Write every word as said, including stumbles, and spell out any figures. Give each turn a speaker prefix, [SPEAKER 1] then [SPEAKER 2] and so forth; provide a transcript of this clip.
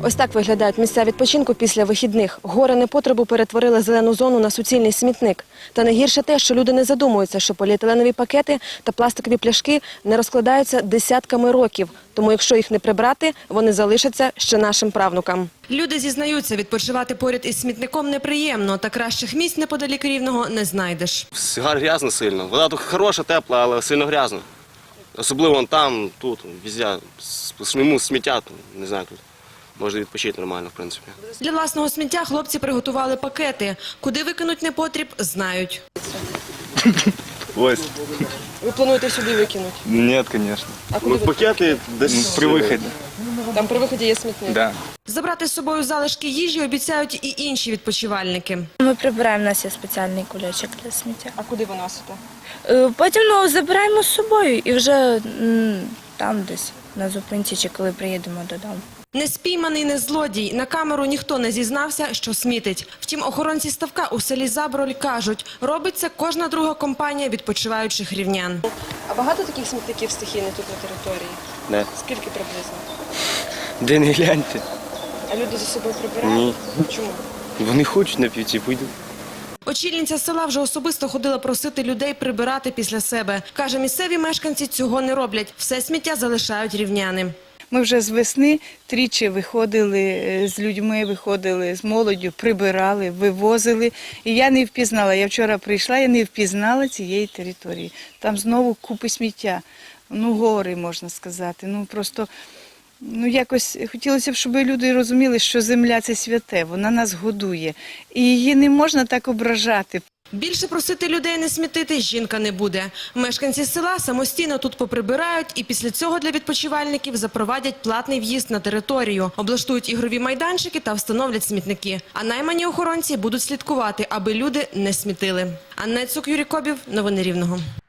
[SPEAKER 1] Ось так виглядають місця відпочинку після вихідних. Гори непотребу перетворили зелену зону на суцільний смітник. Та найгірше те, що люди не задумуються, що поліетиленові пакети та пластикові пляшки не розкладаються десятками років. Тому якщо їх не прибрати, вони залишаться ще нашим правнукам. Люди зізнаються, відпочивати поряд із смітником неприємно, та кращих місць неподалік Рівного не знайдеш.
[SPEAKER 2] Грязно сильно. Вода тут хороша, тепла, але сильно грязно. Особливо вон там, тут, везде. Сміму сміття, не знаю, тут можна відпочити нормально, в принципі.
[SPEAKER 1] Для власного сміття хлопці приготували пакети. Куди викинуть непотріб, знають.
[SPEAKER 3] Ось.
[SPEAKER 1] Ви плануєте сюди викинути?
[SPEAKER 3] Ні, звісно.
[SPEAKER 1] А куди ви?
[SPEAKER 2] Пакети десь
[SPEAKER 3] При виході.
[SPEAKER 1] Там при виході є смітник.
[SPEAKER 3] Да.
[SPEAKER 1] Забрати з собою залишки їжі обіцяють і інші відпочивальники.
[SPEAKER 4] Ми прибираємо, у нас є спеціальний кульочок для сміття.
[SPEAKER 1] А куди ви носите?
[SPEAKER 4] Е, Потім ну, забираємо з собою і вже м, там десь на зупинці чи коли приїдемо додому.
[SPEAKER 1] Не спійманий, не злодій. На камеру ніхто не зізнався, що смітить. Втім, охоронці ставка у селі Заброль кажуть, робить це кожна друга компанія відпочиваючих рівнян. А багато таких смітників стихійних тут на території?
[SPEAKER 2] Не.
[SPEAKER 1] Скільки приблизно?
[SPEAKER 3] Де не гляньте.
[SPEAKER 1] А люди за собою прибирають?
[SPEAKER 3] Ні.
[SPEAKER 1] Чому?
[SPEAKER 3] Вони хочуть на п'яті, вийдуть.
[SPEAKER 1] Очільниця села вже особисто ходила просити людей прибирати після себе. Каже, місцеві мешканці цього не роблять. Все сміття залишають рівняни.
[SPEAKER 5] Ми вже з весни тричі виходили з людьми, виходили з молоддю, прибирали, вивозили. І я не впізнала, я вчора прийшла, я не впізнала цієї території. Там знову купи сміття, ну гори, можна сказати. Ну просто, ну якось хотілося б, щоб люди розуміли, що земля – це святе, вона нас годує. І її не можна так ображати.
[SPEAKER 1] Більше просити людей не смітити жінка не буде. Мешканці села самостійно тут поприбирають і після цього для відпочивальників запровадять платний в'їзд на територію, облаштують ігрові майданчики та встановлять смітники. А наймані охоронці будуть слідкувати, аби люди не смітили. Анна Цук, Юрій Кобів. Новини Рівного.